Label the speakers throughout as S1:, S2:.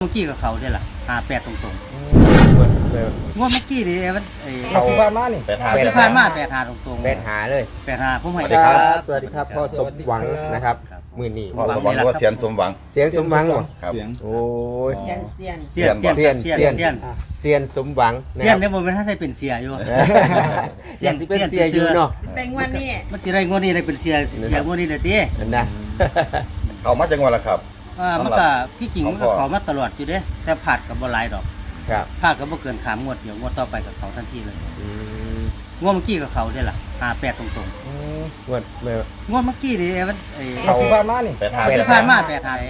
S1: เมื่อกี้กับเขาเนี่ยแหละ58ตรงงวดเมื่อกี้นี่มัน
S2: เขาที่ผ่านมานี่
S1: ที่ผ่านมา85ตรง
S3: 85เลย
S1: 85ผมให้
S3: สวัสดีครับสวัสดีครับพ่อสมหวังนะครับมื้อนี้
S4: พ่อสมหวังหรือว่าเสียนสมหวัง
S3: เสียงสมหวังเหรอ
S4: ครับ
S3: โอ้ย
S1: เสียน
S3: เสียนสมหวังนะ
S1: เสีย
S3: คน รับ
S1: เนี่ยบ่แม่นท่านได้เป็นเสียอยู่
S3: อยากสิเป็นเสียอยู่เนาะ
S5: เป็นวันนี้
S1: มันสิได้งวดนี้ได้เป็นเสียงวดนี้ได้ติ
S3: นั่นนะ
S4: เขามาจังหวัดละครับ
S1: มันก็ที่จริงมันก็ขอมาตลอดอยู่เด้แต่ผาดก็บ่หลายดอก
S3: ครับ
S1: ผาดก็บ่เกิน3งวดเดี๋ยวงวดต่อไปกับเขาทันทีเลย
S3: อืม
S1: งวดเมื่อกี้กับเขาเนี่ยล่ะ58ตรง
S3: งวดเมื่อง
S1: วดเมื่อกี้นี่มัน
S2: เขาที่ผ่านมานี่
S1: ที่ผ่านมา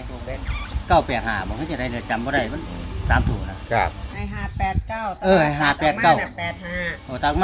S1: 85 985บ่เฮ็ดจะได้เนี่ยจำบ่ได้มัน3ถูกนะครับ
S5: ให้589
S1: ให้589
S5: 85
S1: โอ้ตักมา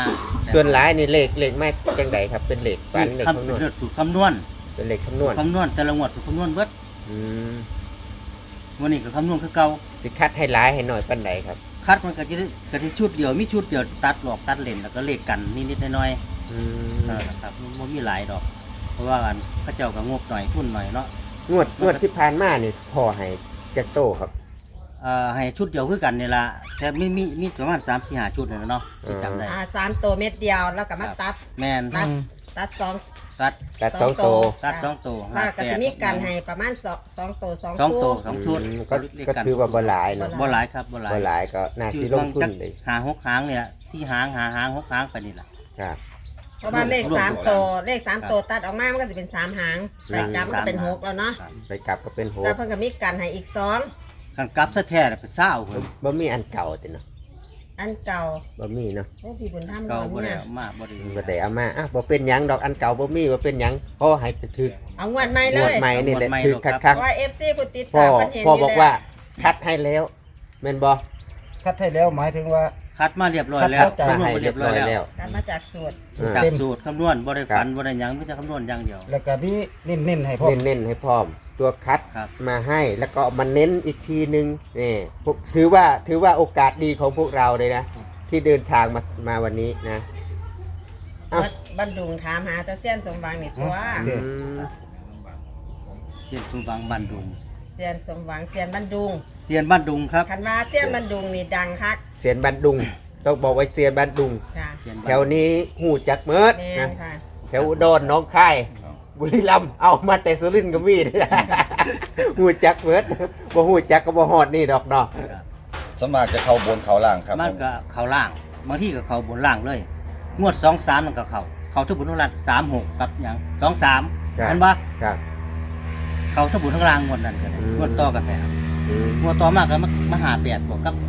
S1: 85
S3: ส่วนหลายนี่เลขไม่จังไดครับเป็นเลขฝันเลข
S1: คำ
S3: คำนวณ
S1: เลือดสูตรคำนวณ
S3: เป็นเลขคำนวณ
S1: คำนวณแต่ละงวดสูตรคำนวณเบิด
S3: อืม
S1: วันนี้ก็คำนวณคือเก่า
S3: สิคัดให้หลายให้หน่อยปานใดครับ
S1: คัดมันก็จะชุดเดียวมีชุดเดียวตัดหลอกตัดเลนแล้วก็เลขกันนิดๆหน่อย
S3: อืม
S1: ๆครับมันมีหลายดอก เพราะว่ากันพระเจ้าก็งบหน่อยทุนหน่อยเนาะ
S3: งวดที่ผ่านมานี่พ่อให้จักโตครับ
S1: ให้ชุดเดียวคือกันนี่ล่ะแต่มีประมาณ3 4 5ชุดนี่แหละเนาะที่จำได้
S5: 3ตัวเม็ดเดียวแล้วก็มาตัด
S1: แม่น
S5: ตัด2
S1: ตัด
S3: ตัด2โต
S1: ตัด2ตัว
S5: แล้วก็จะมีกันให้ประมาณ2ตัว2
S1: 2ตัว2ชุด
S3: ก็ถือว่าบ่หลายเนาะ
S1: บ่หลายครับบ่หลาย
S3: บ่หลายก็น่าสิลงทุนเลย
S1: หา6หางเนี่ย4หางหาหาง6หางไปนี่ล่ะ
S3: ครับ
S5: เพราะว่าเลข3ตัวเลข3ตัวตัดออกมามันก็จะเป็น3หางแต่กลับมันก็เป็น6แล้วเนาะ
S3: ไปกลับก็เป็นโห
S5: แล้วเพิ่นก็มีกันให้อีก2
S1: คันกลับซะแท้เป็นเศร้าเพิ่น
S3: บ่มีอันเก่าติเนาะ
S5: อันเก่า
S3: บ่มีเนาะ
S5: โอ้พี่บุญธรรม
S1: เก่าบ่
S5: บ่
S1: ได้
S5: เนี่ย
S1: เอามาบ่ได้
S3: บ่ได้เอามาอ่ะบ่เป็นหยังดอกอันเก่าบ่มีบ่เป็นหยังพ่อให้ถึก
S5: เอางวดใหม่เล
S3: งวด
S5: ย
S3: ใหม่นี่แหละ
S1: งวดใหม่
S3: ถึก
S1: ครั
S3: คั
S1: บ
S3: ก
S5: เพราะว่า FC ผู้ติด
S3: ๆพ่อ
S5: ตามเพิ่นเห็น
S3: พ่อ
S5: อยู่
S3: บอก
S5: แล้ว
S3: ว่าคัดให้แล้วแม่นบ่
S2: คัดให้แล้วหมายถึงว่า
S1: คัดมาเรียบร้อยแล้ว
S3: คัดมาให้เรียบร้อยแล้ว
S5: กันมาจากสูตร
S1: จากสูตรคำนวณบ่ได้ฝันบ่ได้หยังมีแต่คำนวณอย่างเดียว
S2: แล้วก็พี่เน้นๆให้พ่อ
S3: เน้นๆให้พร้อม ตัวคัด
S1: ครับ
S3: มาให้แล้วก็มาเน้นอีกทีนึงนี่พวกถือว่าโอกาสดีของพวกเราเลยนะที่เดินทางมาวันนี้นะ เอ้า
S5: บันดุงถามหาตาเซียนสมหวังนี่ตัว
S3: อืม
S1: เสียนทุบางบ้านดุง
S5: เซียนสมหวังเซียนบันดุง
S1: เสียนบ้านดุงครับ
S5: คันว่าเซียนบันดุงนี่ดังคัก
S3: เสียนบันดุงต้องบอกไว้เสียนบันดุง
S5: ค่ะ
S1: เสียน
S3: แถวนี้หูจักเมิด
S5: แม่
S3: นะ
S5: นค่ะ
S3: แถวอุดรหน้องคายบุรีรัมย์เอามาแต่สุรินทร์ก็มี หูจักเมิดบ่หูจักก็บ่ฮอดนี่ดอกเนาะ
S4: สวนมากจะเข้าบนเขาล่างครับ
S1: มันก็เข้าล่างบางทีก็เข้าบนล่างเลย งวด2 3มันก็เข้าทุกบุญทั้งล่าง36กับหยัง2 3เห็นบ่
S3: ครับ
S1: เข้าทุกบุญทั้งล่างงวดนั้นก็ได้
S3: อืม
S1: งวดต่อกันไป
S3: อืม
S1: งวดต่อมาก็มา58บวกกับ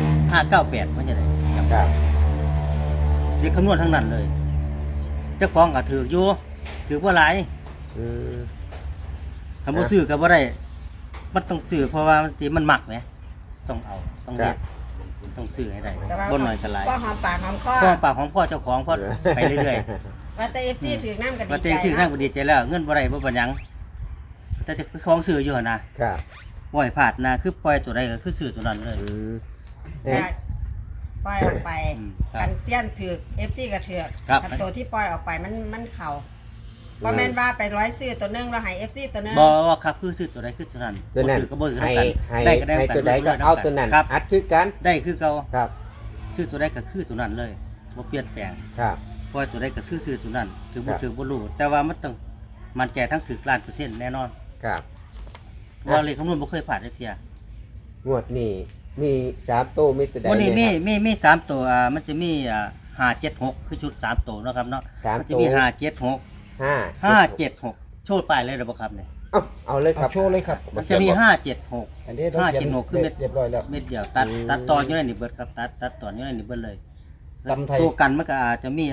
S1: 598มันจะได้
S3: ครับ
S1: เด็กคำนวณทั้งนั้นเลยเจ้าของก็ถืออยู่ถือบ่หลาย
S3: อืม
S1: คำว่าซื้อก็บ่ได้มันต้องซื้อเพราะว่ามันมักไงต้องเอาต้องเฮ็ดต้องซื้อให้ได้
S5: แต่ว่า
S1: บ่น้อยก็หลาย
S5: ก็หอมปากหอมคอ
S1: พ่อปากของพ่อเจ้าของพ่อไปเรื่อย
S5: ว่าแต่ FC ถือน้ำกัน
S1: ๆ
S5: ดี
S1: ว่า
S5: ใจ
S1: แต่ซื้อทาง
S5: เนาะ
S1: บ่ดีใจแล้วเงินบ่ได้บ่เป็นหยังแต่เจะของซื้ออยู่หั่นนะครับ บ่ให้พลาดนะคือปล่อยตัวใดก็คือซื้อตัวนั้นเลย
S3: อืม
S5: แต่ปล่อยออกไป
S1: ครับ
S5: กันเซียนถือ FC ก็ถือ
S1: ครับ
S5: กันตัวที่ปล่อยออกไปมันเข่าบ่แม่นว่าไปร้อยซื้อตัวหนึงแล้วให้ FC ตัวหนึง
S1: บ่ว่าครับคือซื้อตัวใดคือตัวนั้น
S3: ตัวนั้น
S1: บ่ซื้อก็บ่ซื้อ
S3: ให้
S1: กันได้ก็ได้
S3: ให้ตัวใดก็เอาตัวนั้น
S1: ครับ
S3: อัดคือกัน
S1: ได้คือเก่า
S3: ครับ
S1: ซื้อตัวใดก็คือตัวนั้นเลยบ่เปลี่ยนแปลง
S3: ครับ
S1: เพราะว่าตัวใดก็ซื้อตัวนั้นถึง
S3: ครั
S1: บ่
S3: บ
S1: ถึงบ่รู้แต่ว่ามันต้องมันใจทั้งถึกล้านเปอร์เซ็นต์แน่นอน
S3: ครับ
S1: เพราะว่าเลขคำนวณบ่เคยผ่านจักเที่ย
S3: งวดนี้มี3โตมีตัวใด
S1: วันนี้
S3: เนี่ยครับ
S1: มี3ตัวมันจะมี576คือชุด3ตัวเนาะครับเนาะ
S3: สาม
S1: มันจะ
S3: ตัว
S1: มี
S3: ห้า
S1: 576โชดป้ายเลยได้บ่ครับเนี่ย
S3: เอาเลยค
S2: เอา
S3: รับ
S2: โชว์เลยครับ
S1: มันจะมี576
S2: อันนี้ต้องเขียน
S1: 576คือเม็ด
S2: เรียบร้อยแล้ว
S1: เม็ดเดียวตัดต่ออยู่ในนี่เบิดครับตัดต่ออยู่ในนี่เบิดเลย
S2: ตำไทย
S1: ตัวกันมันก็อาจจะมี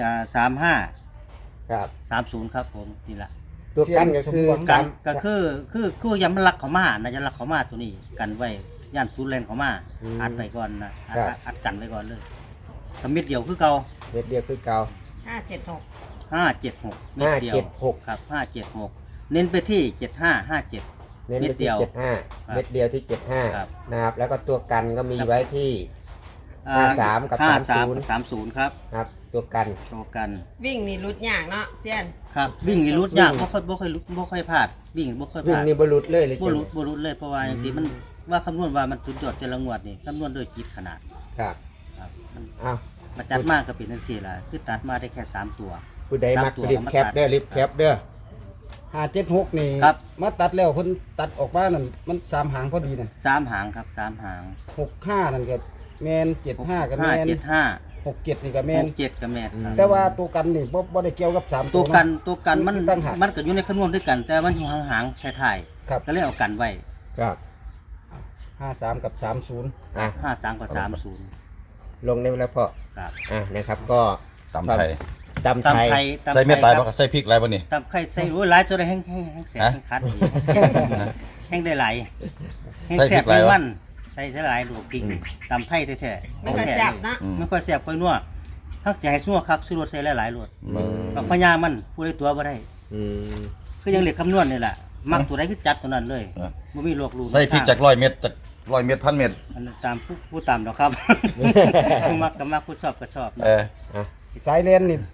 S1: 35
S3: ครับ
S1: 30ครับผมนี่ล่ะ
S3: ตัวกันก็คือ
S2: เสียงสมหวัง
S3: สาม
S1: ก็คือย้ำรักเขามานะจะรักเขามาตัวนี้กันไว้ย่านศูนย์แลนเขามาอัดไปก่อนนะอัดกันไว้ก่อนเลยทำเม็ดเดียวคือเก่า
S3: เม็ดเดียวคือเก่า
S5: 576
S1: 576เม็ดเดียว
S3: 576
S1: ครับ576เน้นไปที่7557
S3: เน้นไป
S1: เม็ดเดี
S3: ที่
S1: ยว
S3: 75เม็ดเดียวที่
S1: ครับ
S3: 75นะครับแล้วก็ตัวกันก็มีไว้ที่ 53กับ
S1: 53 30ครับ
S3: ครับตัวกัน
S1: โตกัน
S5: วิ่งนี่รุดยากเนาะเซียน
S1: ครับวิ่งนี่รุดยากบ่ค่อยพลาดวิ่งบ่ค่อยพ
S3: วิ่ง
S1: ลาด
S3: นี่บรุษเลยเลย
S1: บ่รุดเลยเพราะว่าอย่างที่มันว่าคำนวณว่ามันสุดยอดแต่ละงวดนี่คำนวณโดยจิตขนาด
S3: ครับ
S1: ครับมัน
S3: อ้าว
S1: มาจัดมากก็เป็นจังซี่ล่ะคือตัดมาได้แค่3ตัว
S3: ผู้ใดมัก
S1: 3ตัว
S3: รีบแคปเด้อรีบแคปเด้อ
S2: 576นี่
S1: ครับ
S2: มาตัดแล้วเพิ่นตัดออกมานั่นมัน3หางพอดีนั่น
S1: 3หางครับ3หาง
S2: 65นั่นก็แม่น75ก็แม่น
S1: 75
S2: 67นี่ก็แม่น
S1: 67ก็แม่นครับ
S2: แต่ว่าตัวกันนี่บ่ได้เกี่ยวกับ3
S1: ตัว
S2: เาะ
S1: กันมัน
S2: ตั้งหาก
S1: มันก็อยู่ในคำนวณด้วยกัน แต่มันอยู่ห่างๆท้าย
S2: ครับ
S1: ๆก็เลยเอากันไว้
S3: ครับ
S2: 53กับ30
S3: อ่ะ
S1: 53กับ30
S3: ลงได้แล้วพ่อ
S1: ครับ
S3: นะครับก็
S4: ตำไทย
S3: ตำไทย
S1: ตำ
S4: ใส่เม็ดตาย
S1: ค
S4: บ่
S1: รับ
S4: ใส่พริกอะไรบ่นี่
S1: ตำไข่ใส่โอ้ยหลายจนได้แห้งแสบ
S4: ฮะ
S1: แห้งคัดอีกแห้งได้หลายแห้ง
S4: ใส่
S1: แส
S4: พริ
S1: บ
S4: กหลา
S1: แห้
S4: ย
S1: ง
S4: วะ
S1: มันใส่หลายลูกพริกตำไทยแท้ๆ
S5: ไม่ค่อยแซ่บนะ
S4: อืม
S1: ไม่ค่อยแสบค่อยนัวถ้าจะให้ซัวคักซื้อรสใส่หลายๆรส
S4: อืม
S1: บางพญามันผู้ใดตัวบ่ได้
S3: อืม
S1: คือยังเหล็กคำนวณนี่แหละมักตัวใดคือจัดตัวนั้นเลย
S4: อ่ะ
S1: บ่มีโรครู
S4: ใส่พริกจาก100 เม็ดจาก100 เม็ด1,000 เม็ด
S1: อันนั้นตามผู้ตามดอกครับ ผู้มักก็มักผู้ชอบก็ชอบ
S4: เออ
S2: สายเลนนี่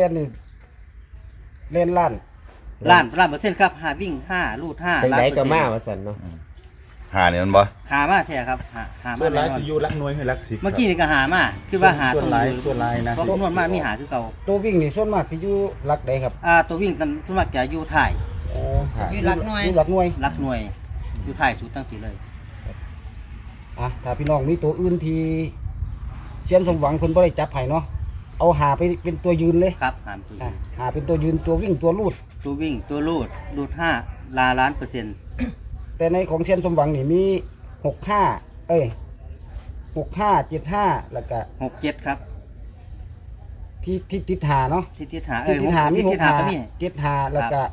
S2: เลนล้าน
S1: ล้านเปอร์เซ็นต์ครับ5วิ่ง5ลูด5
S3: จัง
S1: ล้าน
S3: ได
S1: เปอร์
S3: ก็
S1: เซ็น
S3: มา
S1: ต์
S3: ว่าซั่นเนาะ
S4: หานี่มันบ่
S1: ขามาแท้ครับหามา
S6: ส่วนหลาย
S1: แน่นอ
S6: สิ
S1: น
S6: อยู่หลักหน่วยให้หลักสิบ
S1: เมื่อกี้นี่ก็หามาคือว่าหา
S6: ส่วนหลาย
S1: ตรง
S6: ส่วนหลายนะ
S1: เพราะคำนวณมามีหาคือเก่า
S2: ตัววิ่งนี่ส่วนมากที่อยู่หลักใดครับ
S1: ตัววิ่งกันส่วนมากจะอยู่ท้าย
S2: อ๋อ
S5: อยู่หลักหน่วย
S2: อยู่หลักหน่วย
S1: หลักหน่วยอยู่ท้ายสุดตั้งปีเลย
S2: อ่ะถ้าพี่น้องมีตัวอื่นที่เซียนสมหวังเพิ่นบ่ได้จับให้เนาะเอาหาไปเป็นตัวยืนเลย
S1: ครับหามตัว
S2: อ่ะหาเป็นตัวยืนตัววิ่งตัวลูด
S1: ตัววิ่งตัวลูด5ล้านเปอร์เซ็นต์
S2: แต่ในของเซียนสมหวังนี่มี6565 75แล้วก็
S1: 67ครับ
S2: ที่ติดหาเนาะ
S1: ที่ทิศหา
S2: ที่ติดหามี
S1: ที่ทิศหาก็มี
S2: 75แล้วก็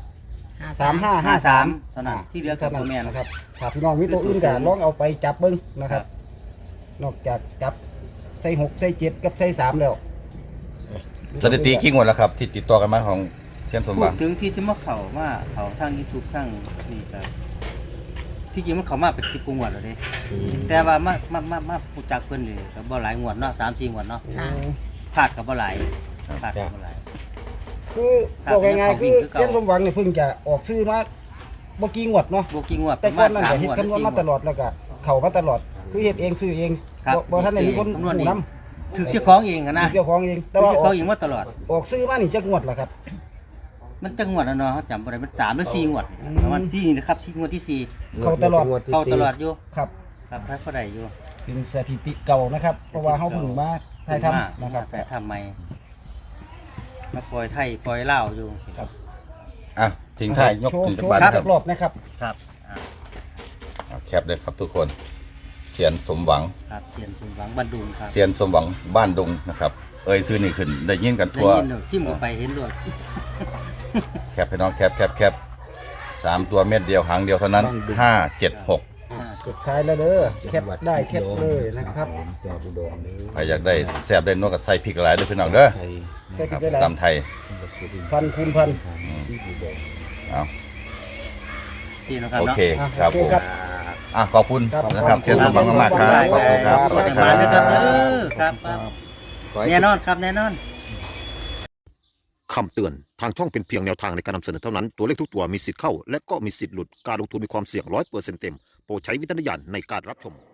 S1: 53 เท่านั้นที่เหลือกับตัวแม่น
S2: นะครับถ้าพี่น้องมีตัวอื่นก็ลองเอาไปจับเบิ่งนะครับ นอกจากจับใส่6ใส่7กับใส่3แล้ว
S4: สถิติกี่งวดแล้วครับ ที่ติดต่อกันมาของเทียนสม
S1: พู
S4: บั
S1: ด
S4: ติ
S1: ถึงที่จะมาเขาทาง YouTube ทางนี่ก็ที่จริงมันเข้ามาเป็น10กว่างวดแล้วเด้แต่ว่ามาผู้จักเพิ่นนี่ก็บ่หลายงวดเนาะ3-4 งวดเนาะ
S5: ค่ะ
S1: พลาดก็บ่หลายพลาดก็บ่หลาย
S2: คือบอกง่ายๆคือเส้นสมหวังเนี่ยเพิ่งจะออกซื้อมาบ่กี่งวดเนาะ
S1: บ่กี่งวด
S2: แต่ก่อนนั้นก็
S1: ประ
S2: เฮ็ด
S1: มาณ
S2: คำนวณ
S1: 3
S2: มาตลอดแล้วก็เข้ามาตลอดคือเฮ็ดเองซื้อเอง
S1: ครับ
S2: บ่ทันได้มีคน
S1: คำนวณ
S2: หู
S1: เอง
S2: นํ
S1: ถึงเจ้าของเองอะนะ
S2: เจ้าของเองแต่
S1: แต่
S2: ว่า
S1: ว่า
S2: ออก
S1: เขาเองมาตลอด
S2: ออกซื้อมานี่จักงวดล่ะครับ
S1: มันจังงวดแล้วเนาะเขาจำบ่ได้มัน3หรือ4งวดประมาณ4นะครับ4งวดที่4
S2: เข้าตลอด
S3: งวที่
S1: เข้า
S3: สี่
S1: ตลอดอยู่
S2: ครับ
S1: ครับถ้าเขาได้อยู่
S2: เป็นสถิติเก่านะครับ เพราะว่าเฮาเพิ่งมาถ่ายทำนะครับ
S1: แต่ทำใหม่มาปล่อยไทยปล่อยลาวอยู่
S2: ครับ
S4: อ่ะทิ้งท้ายยก
S2: โชว์
S4: ถึง
S2: โช
S4: จัก
S2: ว์
S4: บาท
S2: ค
S4: ค
S2: รั
S4: รั
S2: บบ รอบนะครับ
S1: ครับอ่า
S4: แคปเลยครับทุกคนเสียนสมหวัง
S1: ครับเสียนสมหวังบันดุงครับ
S4: เสียนสมหวังบ้านดงนะครับ เอ่ยซื้อนี่ขึ้นได้ยินกัน
S1: ได้
S4: ทั่ว
S1: ยินเลยทิ่มเข้าไปเห็นด้วย
S4: แคปพี่น้องแคป3 ตัวเม็ดเดียวหางเดียวเท่านั้น 576
S2: สุดท้ายแล้วเด้อแคปได้แคปเลยนะครับ
S4: ใครอยากได้แซ่บได้นวดกับใส่พริกหลายด้วยพี่น้องเด้อ
S2: ใช้
S4: ครับ
S2: ได้หลาย
S4: ตำไทย
S2: พันคูณพัน
S4: เอา
S1: ที่นะครับ
S4: โอ
S1: เนาะ
S4: เคครับ
S2: โอ
S4: ผม
S2: ครับ
S4: ขอบคุณ
S2: ครับ
S4: นะครับเสียนสมหวังมากๆครับขอบคุณครับสวัสดีค
S1: มา
S4: รับ
S1: เลยครับครับครับ
S3: ขอให้
S1: แน่นอนครับแน่นอน
S7: คำเตือน ทางช่องเป็นเพียงแนวทางในการนำเสนอเท่านั้น ตัวเลขทุกตัวมีสิทธิ์เข้า และก็มีสิทธิ์หลุด การลงทุนมีความเสี่ยง100%เต็ม โปรดใช้วิจารณญาณในการรับชม